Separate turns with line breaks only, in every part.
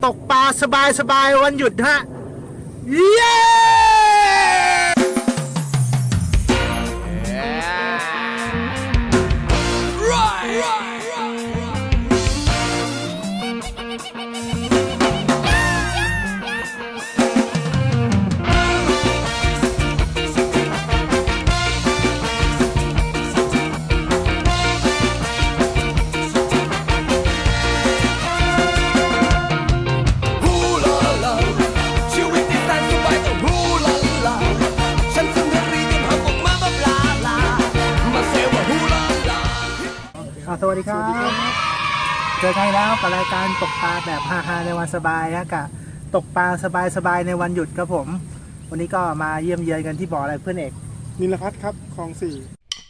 ตกปลาสบายๆวันหยุดฮะเย้สวัสดีครับเจอกันแล้วกับรายการตกปลาแบบฮาๆในวันสบายฮะกับตกปลาสบายๆในวันหยุดครับผมวันนี้ก็มาเยี่ยมเยือนกันที่บ่ออะไรเพื่อนเอก
นิลพัฒน์ครับคลอง4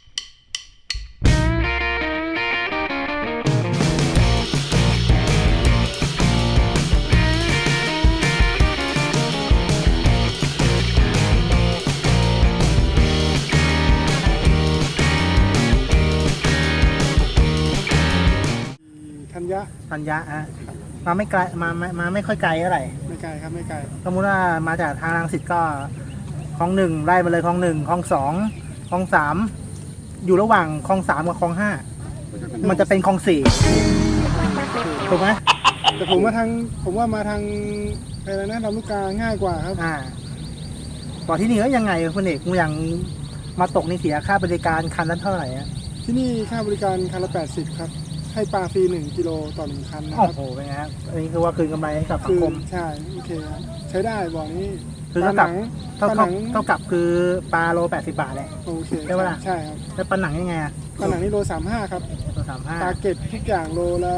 ธัญญะฮะมาไม่ไกลมาไม่ค่อยไกลเท่าไหร่
ไม่ไกลครับไม่ไกล
สมมติว่ามาจากทางรังสิตก็คลอง1ไล่มาเลยคลอง1คลอง2คลอง3อยู่ระหว่างคลอง3กับคลอง5มันจะเป็นคลอง4ถูกไหม
แต่ผมว่ามาทางอะไรนะลำลูกกาง่ายกว่าครับ
บ่อที่นี่ก็ยังไงคุณเอกอย่างมาตกในเสียค่าบริการคันละเท่าไหร่อะ
ที่นี่ค่าบริการคันละ80ครับให้ปลาฟรี1 กิโลต่อ1คันนะครับ
โอ้โหเป็นไงครับอันนี้คือว่าคืนกำไรให้กับสังคม
ใช่โอเคครับใช้ได้บ่อนี้
คือเท่ากับคือปลาโล80 บาทแหละ
โอเค
ใช่ไหมล่ะ
ใช่ครับ
แล้วปลาหนังยังไง
ปลาหนังนี่โล35ครับ
โล35
ปลาเก็ดทุกอย่างโลละ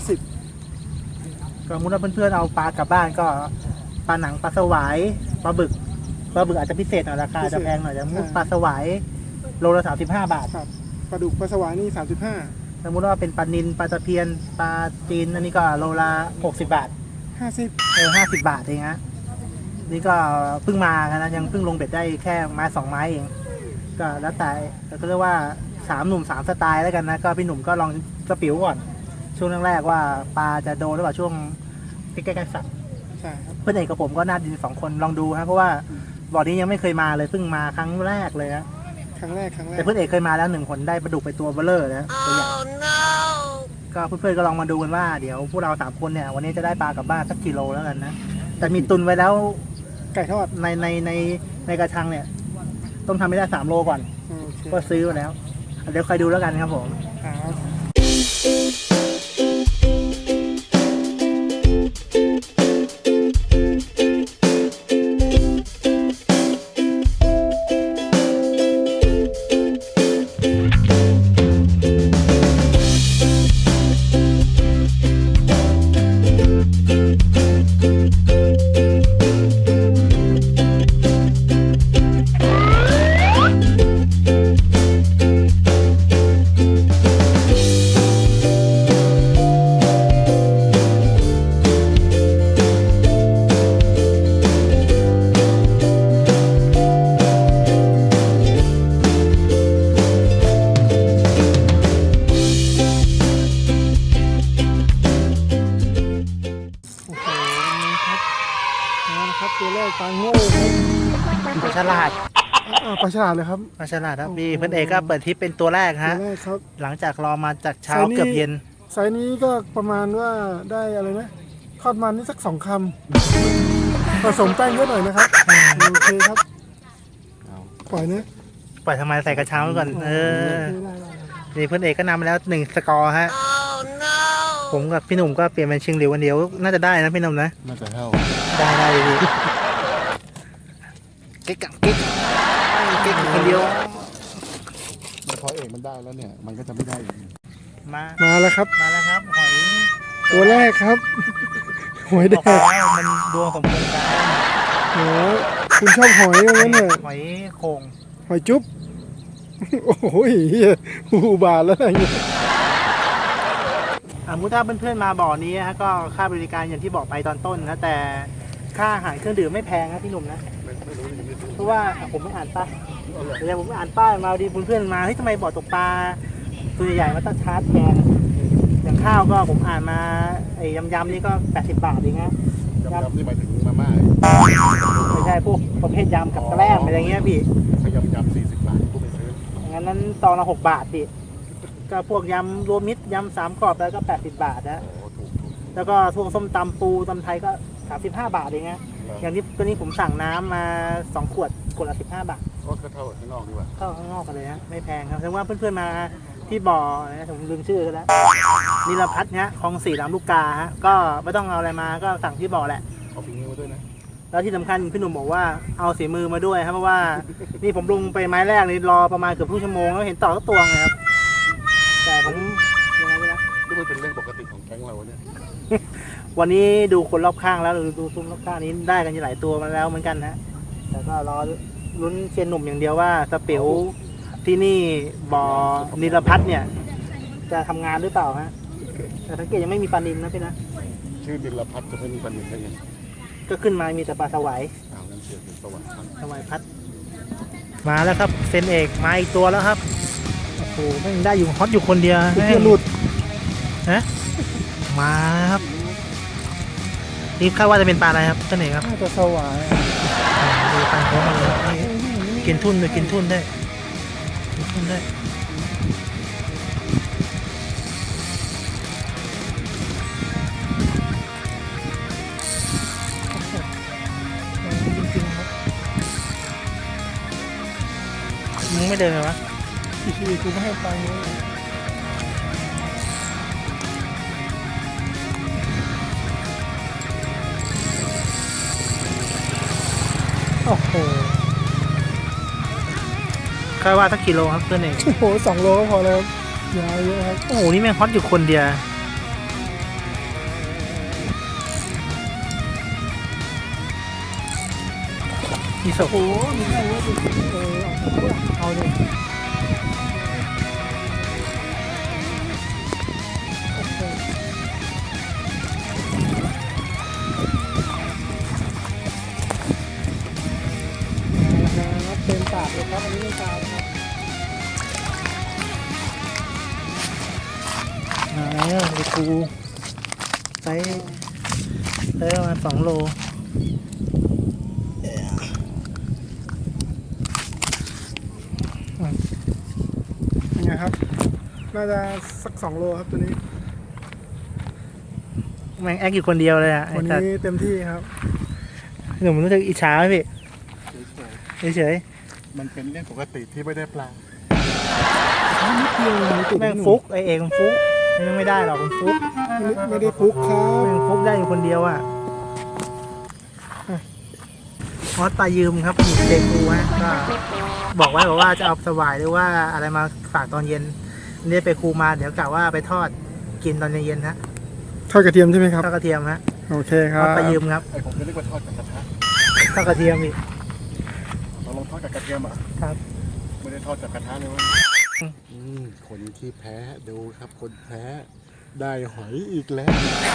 50
ก็มุดว่าเพื่อนๆเอาปลากลับบ้านก็ปลาหนังปลาสวายปลาบึกอาจจะพิเศษหน่อยราคาจะแพงหน่อยจะมุดปลาสวายโลละ35 บาท
ครับปลาดุกปลาสวายนี่35
สมมติว่าเป็นปลานิลปลาตะเพียนปลาจีนอันนี้ก็โลละ60 บาท50 บาทเองฮะนี่ก็เพิ่งมากันนะยังเพิ่งลงเบ็ดได้แค่ไม้2 ไม้เองก็แล้วแต่ก็เรียกว่า3 หนุ่ม3 สไตล์แล้วกันนะก็พี่หนุ่มก็ลองสปิวก่อนช่วงแรกๆว่าปลาจะโดนหรือเปล่าช่วงใกล้ๆสัตว์
ใช่ครับ
เพื่อนเอกกับผมก็น่าดิน2 คนลองดูครับเพราะว่าบ่อนี้ยังไม่เคยมาเลยเพิ่งมาครั้งแรกเลยนะ
ครั้งแรก
แต่เพื่อนเอกเคยมาแล้ว1 คนได้ปลาดุกไปตัวเบลเลอร์นะตัวใหญ่ก็เพื่อนๆก็ลองมาดูกันว่าเดี๋ยวพวกเรา3 คนเนี่ยวันนี้จะได้ปลากลับบ้านสักกิโลแล้วกันนะแต่มีตุนไว้แล้ว
ไก่ทอด
ในกระชังเนี่ยต้องทำให้ได้3 โลก่อนก็ซื้อมาแล้วเดี๋ยวคอยดูแล้วกันครับผม
ตัวแรกปลาโง่
ปลาฉลาด
ปลาฉลาดเลยครับ
ปลาฉลาดครับพี่เพื่อนเอกก็เปิดทิปเป็นตัวแรกฮะหลังจากรอมาจากเช้าเกือบเย็น
ไซส์นี้ก็ประมาณว่าได้อะไรนะทอดมันนี่สัก2 คำผสมแป้งเยอะหน่อยนะครับโอเคครับปล่อยนะ
ปล่อยทำไมใส่กระเช้าก่อนนี่เพื่อนเอกก็นำมาแล้ว1 สกอร์ฮะผมกับพี่หนุ่มก็เปลี่ยนเป็นชิงหลิววันเดียวน่าจะได้นะพี่หนุ่มนะ
น่าจะเท่า
ได้ดีเก๊กคนเดียว
พอเอกมันได้แล้วเนี่ยมันก็จะไม่ได้
มา
แล้วครับ
หอย
ตัวแรกครับหอยแดง
มันดวงสมพงษ์กัน
โอ้คุณชอบหอยอย่างนั้นเนี่ย
หอยโข่ง
หอยจุ๊บโอ้โหหูบาทแล้วอะไรเงี้ย
มุถ้าเพื่อนๆมาบ่อนี้ฮะก็ค่าบริการอย่างที่บอกไปตอนต้นนะแต่ค่าอาหารเครื่องดื่มไม่แพงนะพี่หนุ่มนะเพราะว่าผมไม่อ่านป้ายแต่ผมไม่อ่านป้ายมาดีเพื่อนๆมาเฮ้ยทำไมบ่อตกปลาตัวใหญ่ๆมันต้องชาร์จแพงอย่างข้าวก็ผมอ่านมาไอ้ยำนี่ก็80 บาทเองนะ
ยำนี่หมายถึงมาม่า
ไม่ใช่พวกประเภทยำกับแกล้มอะไรเงี้ยพี่
ถ้ายำ40 บาทกูไปซื้อ
งั้นนั้นตอนละ6 บาทพี่ก็พวกยำรวมมิตรยำ3 กรอบแล้วก็80 บาทนะ
โอ้ถูก
แล้วก็พวกส้มตำปูตำไทยก็35 บาทเองนะอย่างนี้ตัวนี้ผมสั่งน้ำมา2 ขวดละ15 บาท
ก็เท่าข้างนอกดีกว่า
เข้าข้างนอกกันเลยฮะไม่แพงครับแสดงว่าเพื่อนๆมาที่บ่อนะผมลืมชื่อกันแล้วนิรพัฒน์เนี่ยคลอง4ลำลูกกาฮะก็ไม่ต้องเอาอะไรมาก็สั่งที่บ่อแหละ
เอาฝีมือมาด้วยนะ
แล้วที่สำคัญพี่หนุ่มบอกว่าเอาสีมือมาด้วยครับเพราะว่านี่ผมลงไปไม้แรกนี่รอประมาณเกือบครึ่งชั่วโมงแล้วเห็นต่อก็ตัวไงครับแต่ผมยังไงไม่รู้
นี่มันเป็นเรื่องปกติของแก๊งเราเนี่ย
วันนี้ดูคนรอบข้างแล้วดูซุ้มรอบข้างนี้ได้กันหลายตัวมาแล้วเหมือนกันนะแต่ก็รอลุ้นเชียนหนุ่มอย่างเดียวว่าสเปียวที่นี่บ่อนิรพัฒน์เนี่ยจะทำงานหรือเปล่าฮะแต่สังเกตยังไม่มีปลานิลนะพี่นะ
ชื่อดิลพัฒน์จะไม่มีปัญหาได้ไง
ก็ขึ้นมามีแต่ปลาสวาย
เอางั้นเสียเป็นสวรรค์
สวายพัดมาแล้วครับเซนเอกมาอีกตัวแล้วครับโอ้โหแม่งได้อยู่ฮอตอยู่คนเดียว
เพื่อนหลุด
ฮะมาแล้วครับนี่คาดว่าจะเป็นปลาอะไรครับเซนเอกครับ
น่าจะสวาย
ดูปลาโค้งมาเลยนี่กินทุ่นด้วยกินทุ่นได้กินทุ่นได้จริงๆครับมึงไม่เดินเลยวะ
อีกทีกูไม่ให้ตังค์เลย
โอ้โหคาดว่าสักกิโลครับเพื่อนเอง
โอ้โห2 โลก็พอแล้วยาวเยอะครับ
โอ้โหนี่แม่งฮอตอยู่คนเดียวมีศพ
โอ้โหมีแค่ว่าเอาดิ ครับเต็มปากเลยครับอันนี้ไม่ตามครับ
มาแล้วไปกูไซส์ประมาณ2 โล
ยังไงครับ น่าจะสัก2 โลครับตัวนี้
แม่งแอคอยู่คนเดียวเลยอ่ะ
วัน
แต่
นี้เต็มที่ครับ
หนุ่มรู้สึกอิจฉาไหมพี่
เฉย
เฉย
ๆมันเป็นเรื่องปกติที่ไม่ได้ปลา
นิดเดียวเลยติด
ๆแม่งฟุกไอเอกมันฟุกแม่งไม่ได้หรอกมันฟุก
ไม่ได้ฟุกครับ
แม่งฟุกได้อยู่คนเดียวอ่ะฮอตปลายืมครับหยิบเด็กกูฮะก็บอกว่าจะเอาสวายหรือว่าอะไรมาฝากตอนเย็นนี่ไปครูมาเดี๋ยวกะว่าไปทอดกินตอนเย็นๆฮะ
ทอดกระเทียมใช่ไหมครับ
ทอดกระเทียมฮะ
โอเคค
ท
รั
อบ ดปลายืมครับ
ไอผมก็นึกว่าทอดกับกระทะ
ทอดกระเทียมอีก
เราลองทอดกับกระเทียมอ่ะ
ครับ
ไม่ได้ทอดจากกระทะเลยวะคนที่แพ้ดูครับคนแพ้ได้หอยอีกแล้ว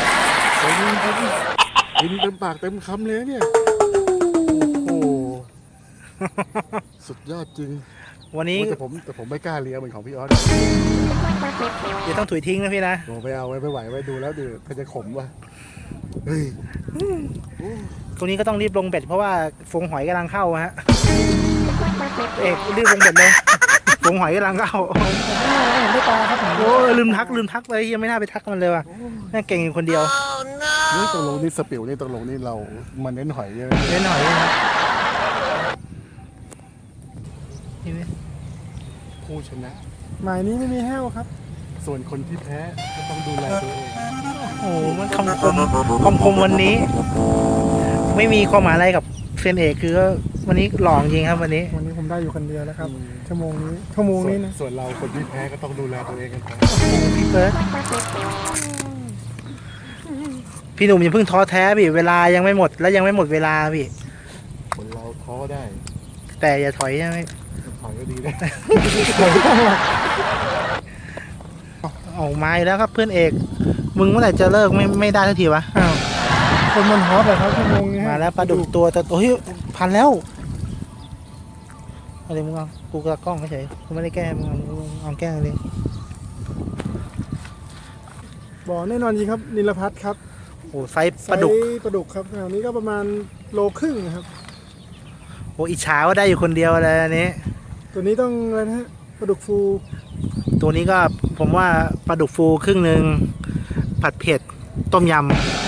กินเต็มปากเต็มคำเลยเนี่ยโอ้โหสุดยอดจริง
วันนี้
แต่ผมไม่กล้าเลี้ยงเหมือนของพี่ออส
เดี๋ยวต้องถุยทิ้งนะพี่นะ
โอ้ไม่เอาไม่ไหวไว้ดูแล้วดิถ้าจะขมว่ะเฮ้ย
ตรงนี้ก็ต้องรีบลงเบ็ดเพราะว่าฟงหอยกำลังเข้าฮะเอกรีบลงเบ็ดเลยฟงหอยกำลังเข้า
ผมได้ปลาครับผม
โอ้ยลืมทักเลยยังไม่น่าไปทักมันเลยว่ะแม่งเก่งอยู่คนเดียว
นี่ตกลงนี่สปิวนี่ตกลงนี่เรามาเน้นหอยเยอะ
เล่นหอยนะครับนี่ไหม
ผู้ชนะ
หมายนี้ไม่มีแห้วครับ
ส่วนคนที่แพ้ก็ต้องดูแลตัวเอง
โอ้โหมันคำคมวันนี้ ไม่มีความหมายอะไรกับเซนเอกคือวันนี้หลองจริงครับวันนี้
วันนี้ผมได้อยู่คนเดียวแล้วครับ ชั่วโมงนี้นะ
ส่วนเราคนที่แพ้ก็ต้องดูแลตัวเองกันไป
พี่เบิร์ดพี่หนุ่มอย่าเพิ่งท้อแท้พี่เวลายังไม่หมดแล้วยังไม่หมดเวลาพี่
คนเราท้อได้
แต่อย่าถอยใช่ไหม
ถอยก็ดีได้
ออกมาอีกแล้วครับเพื่อนเอกมึงเมื่อไหร่จะเลิกไม่ได้ทันทีวะ
อ้าวคนมันฮอตอะครับชั่วโมงนี้
มาแล้วปลาดุกตัวโอ้ยพันแล้วอะไรมึงเอากูกระกล้องเฉยกูไม่ได้แก้มึงเอาแก้เลย
บ่อแน่นอนจริงครับนิลพัฒน์ครับ
โอ้ไซส์ปลาดุก
ไซส์ปลาดุกครับอันนี้ก็ประมาณโลครึ่งนะครับ
โอ้อิจฉาว่าได้อยู่คนเดียวเลยอันนี้
ตัวนี้ต้องอะไรนะฮะปลาดุกฟู
ตัวนี้ก็ผมว่าปลาดุกฟูครึ่งหนึ่งผัดเผ็ดต้มย
เม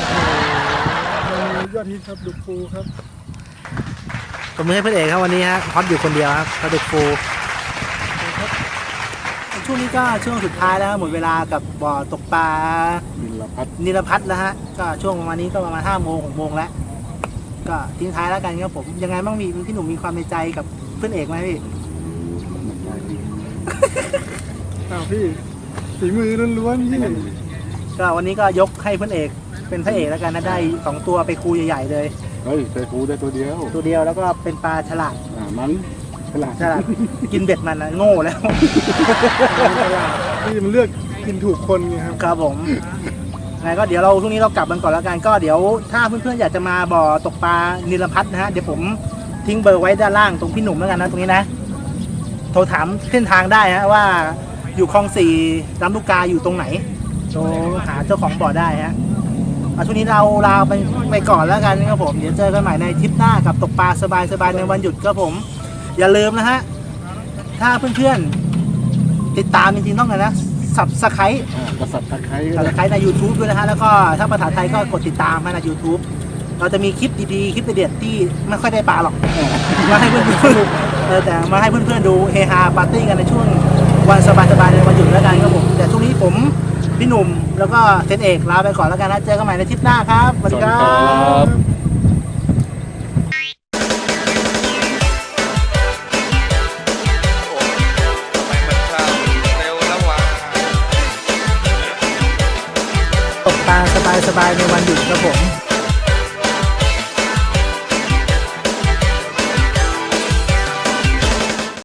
นูยอดฮิตครับดุกฟูครับ
ำผมมือให้เพื่อนเอกครับวันนี้ฮะฮอตอยู่คนเดียวครับปลาดุกฟูช่วงนี้ก็ช่วงสุดท้ายแล้วหมดเวลากับบ่อตกปลา
นิลพัฒน์
นิรพัฒน์แล้วฮะก็ช่วงประมาณนี้ก็ประมาณ5 โมง 6 โมงแล้วก็ทิ้งท้ายแล้วกันครับผมยังไงบ้างพี่หนุ่มมีความในใจกับเพื่อนเอกไหมพี่
อ้าวพี่ฝีมือล้วนๆพี่
ก็วันนี้ก็ยกให้เพื่อนเอกเป็นพระเอกแล้วกันนะได้2 ตัวไปคูใหญ่ๆเลย
เฮ้ยใส่ปูได้ตัวเดียว
ตัวเดียวแล้วก็เป็นปลาฉลาด
มันฉลาด
ฉลาดกินเบ็ดมันนะโง่แล้ว
พี่มันเลือกกินถูกคนไงครับ
ครับผมไงก็เดี๋ยวเราช่วงนี้เรากลับกันก่อนแล้วกันก็เดี๋ยวถ้าเพื่อนๆอยากจะมาบ่อตกปลานิลพัฒน์นะฮะเดี๋ยวผมทิ้งเบอร์ไว้ด้านล่างตรงพี่หนุ่มแล้วกันนะตรงนี้นะโทรถามเส้นทางได้ฮะว่าอยู่คลอง 4ลำลูกกาอยู่ตรงไหนโทรหาเจ้าของบ่อได้ฮะเอาช่วงนี้เราลาไปก่อนแล้วกันครับผมเดี๋ยวเจอกันใหม่ในทริปหน้ากับตกปลาสบายๆในวันหยุดครับผมอย่าลืมนะฮะถ้าเพื่อนๆติดตามจริงๆต้องเลยนะSubscribe
กระสับตะไคร้
Subscribe ใน YouTube ด้วยนะฮะแล้วก็ถ้าภาษาไทยก็กดติดตามให้ใน YouTube เราจะมีคลิปดีๆคลิปเด็ดๆที่ไม่ค่อยได้ปลาหรอกมาให้เพื่อนๆแต่มาให้เพื่อนๆดูเฮฮาปาร์ตี้กันในช่วงวันสบายๆในวันหยุดแล้วกันครับผมแต่ช่วงนี้ผมพี่หนุ่มแล้วก็เซนเอกลาไปก่อนแล้วกันนะเจอกันใหม่ในทริปหน้าครับสวัสดีครับ ตกปลาสบายๆในวันหยุดครับผม